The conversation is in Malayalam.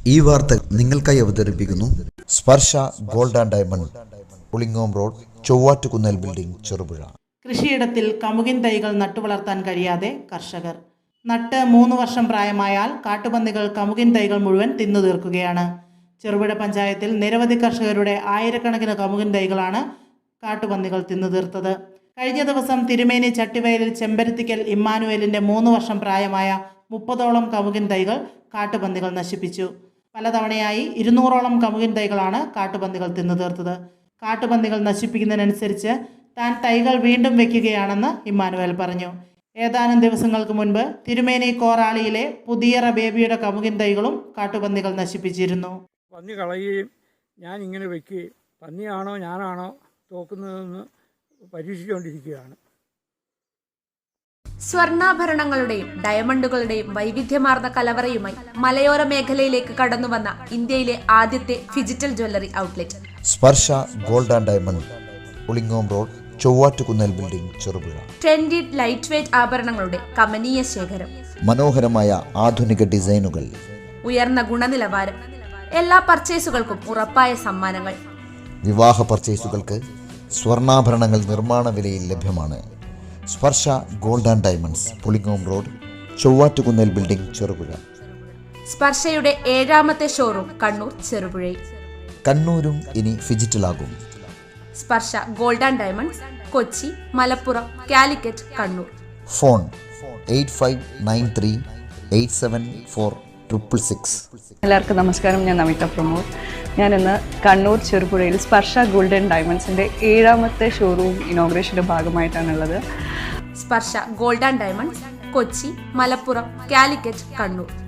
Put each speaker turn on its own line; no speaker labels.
ഈ വാർത്ത നിങ്ങൾക്കായി അവതരിപ്പിക്കുന്നു Sparsha gold and diamond, Pulingome road, Chovvattukunnel building, Cherupuzha.
കൃഷിയിടത്തിൽ കമുകിൻ തൈകൾ നട്ടുവളർത്താൻ കഴിയാതെ കർഷകർ. നട്ട് 3 വർഷം പ്രായമായാൽ കാട്ടുപന്നികൾ കമുകിൻ തൈകൾ മുഴുവൻ തിന്നു തീർക്കുകയാണ്. ചെറുപുഴ പഞ്ചായത്തിൽ നിരവധി കർഷകരുടെ ആയിരക്കണക്കിന് കമുകിൻ തൈകളാണ് കാട്ടുപന്നികൾ തിന്നു തീർത്തത്. കഴിഞ്ഞ ദിവസം തിരുമേനി ചട്ടിവയലിൽ ചെമ്പരത്തിക്കൽ ഇമ്മാനുവേലിൻ്റെ 3 വർഷം പ്രായമായ 30ഓളം കമുകിൻ തൈകൾ കാട്ടുപന്നികൾ നശിപ്പിച്ചു. പലതവണയായി 200ഓളം കമുകിൻ തൈകളാണ് കാട്ടുപന്നികൾ തിന്നു തീർത്തത്. കാട്ടുപന്നികൾ നശിപ്പിക്കുന്നതിനനുസരിച്ച് താൻ തൈകൾ വീണ്ടും വയ്ക്കുകയാണെന്ന് ഇമ്മാനുവേൽ പറഞ്ഞു. ഏതാനും ദിവസങ്ങൾക്ക് മുൻപ് തിരുമേനി കോറാളിയിലെ പുതിയറ ബേബിയുടെ കമുകിൻ തൈകളും കാട്ടുപന്നികൾ നശിപ്പിച്ചിരുന്നു.
പന്നി കളയുകയും ഞാൻ ഇങ്ങനെ വയ്ക്കുകയും പന്നിയാണോ ഞാനാണോ തോക്കുന്നതെന്ന് പരീക്ഷിച്ചുകൊണ്ടിരിക്കുകയാണ്.
സ്വർണ്ണാഭരണങ്ങളുടെയും ഡയമണ്ടുകളുടെയും വൈവിധ്യമാർന്ന കലവറയുമായി മലയോര മേഖലയിലേക്ക് കടന്നുവന്ന ഇന്ത്യയിലെ ആദ്യത്തെ digital jewellery outlet
Sparsha gold and diamond, Pulingome road, Chovvattukunnel building, Cherupuzha.
Trendy light weight ആഭരണങ്ങളുടെ കമനീയ ശേഖരം,
മനോഹരമായ ആധുനിക ഡിസൈനുകൾ,
ഉയർന്ന ഗുണനിലവാരം, എല്ലാ പർച്ചേസുകൾക്കും ഉറപ്പായ സമ്മാനങ്ങൾ.
വിവാഹ പർച്ചേസുകൾക്ക് സ്വർണ്ണാഭരണങ്ങൾ നിർമ്മാണ വിലയിൽ ലഭ്യമാണ്. Sparsha gold and diamonds, Pulingome road, Chovvattukunnel building, Cherupuzha.
സ്പർശയുടെ 7ാമത്തെ ഷോറൂം കണ്ണൂർ, ചെറുപുഴയിൽ.
കണ്ണൂരും ഇനി ഡിജിറ്റലാകും.
Sparsha gold and diamonds, Kochi, Malappuram, Calicut, Kannur.
Phone 8593874666.
എല്ലാവർക്കും നമസ്കാരം. ഞാൻ നമിത പ്രമോദ്. ഞാനിന്ന് കണ്ണൂർ ചെറുപുഴയിൽ സ്പർശ ഗോൾഡ് ആൻഡ് ഡയമണ്ട്സിൻ്റെ 7ാമത്തെ ഷോറൂം ഇനോഗ്രേഷൻ്റെ ഭാഗമായിട്ടാണുള്ളത്.
Sparsha gold and diamonds, Kochi, Malappuram, Calicut, Kannur.